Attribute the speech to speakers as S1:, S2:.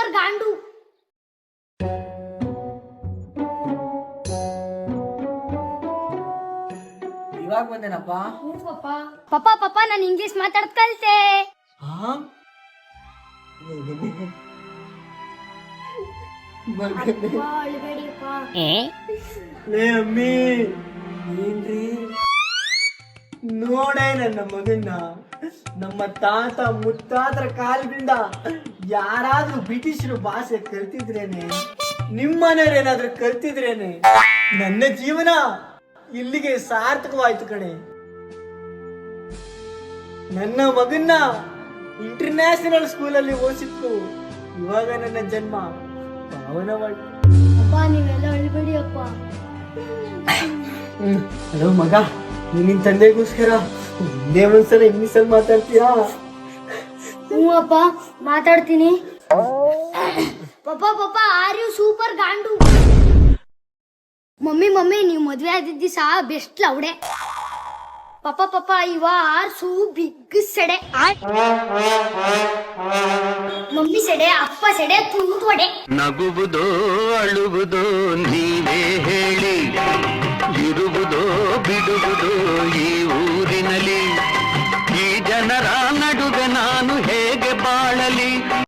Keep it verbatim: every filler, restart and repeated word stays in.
S1: Super ಗಾಂಡು.
S2: ಇವಾಗ ಬಂದೇನಪ್ಪ.
S1: ಪಪ್ಪ ಪಪ್ಪ ನಾನು English ಮಾತಾಡ್ ಕಲ್ತೆ.
S2: ಲೇ ಅಮ್ಮಿ, ಏನ್ರಿ ನೋಡೇ ನನ್ನ ಮಗನ್ನ ನಮ್ಮ ತಾತ ಮುತ್ತಾತರ ಕಾಲದಿಂದ ಯಾರಾದ್ರೂ ಬ್ರಿಟಿಷರು ಭಾಷೆ ಕಲ್ತಿದ್ರೇನೆ, ನಿಮ್ಮನೆಯವ್ರು ಏನಾದ್ರೂ ಕಲ್ತಿದ್ರೇನೆ ನನ್ನ ಜೀವನ ಇಲ್ಲಿಗೆ ಸಾರ್ಥಕವಾಯ್ತು ಕಣೆ. ನನ್ನ ಮಗನ್ನ ಇಂಟರ್ನ್ಯಾಷನಲ್ ಸ್ಕೂಲಲ್ಲಿ ಓದಿಸಿತ್ತು, ಇವಾಗ ನನ್ನ ಜನ್ಮ ಪಾವನವಾಯ್ತು.
S1: ಅಪ್ಪ ನೀವೆಲ್ಲ ಅಳ್ಬೇಡಿ ಅಪ್ಪ.
S2: ಹಲೋ ಮಗ, ನಿನ್ನ ತಂದೆಗೋಸ್ಕರ ಒಂದೇ ಒಂದ್ಸಲ ಇಂಗ್ಲಿಷಲ್ಲಿ ಮಾತಾಡ್ತೀಯಾ?
S1: ಹ್ಞೂ ಅಪ್ಪ ಮಾತಾಡ್ತೀನಿ. Papa papa are you super ಗಾಂಡು. ಮಮ್ಮಿ ಮಮ್ಮಿ ನೀವು ಮದ್ವೆ ಆದಿದ್ದ ದಿವಸ ಬೆಸ್ಟ್ ಲೌಡೆ. ಪಪ್ಪ ಪಪ್ಪ ಇವ ಆರ್ ಸೂ ಬಿಗ್ ಸೆಡೆ. ಮಮ್ಮಿ ಸೆಡೆ, ಅಪ್ಪ ಸೆಡೆ, ತುಂಡು ಒಡೆ.
S3: ನಗುವುದೋ ಅಳುವುದೋ ನೀವೇ ಹೇಳಿ, ಇರುವುದೋ ಬಿಡುವುದೋ ಈ ಊರ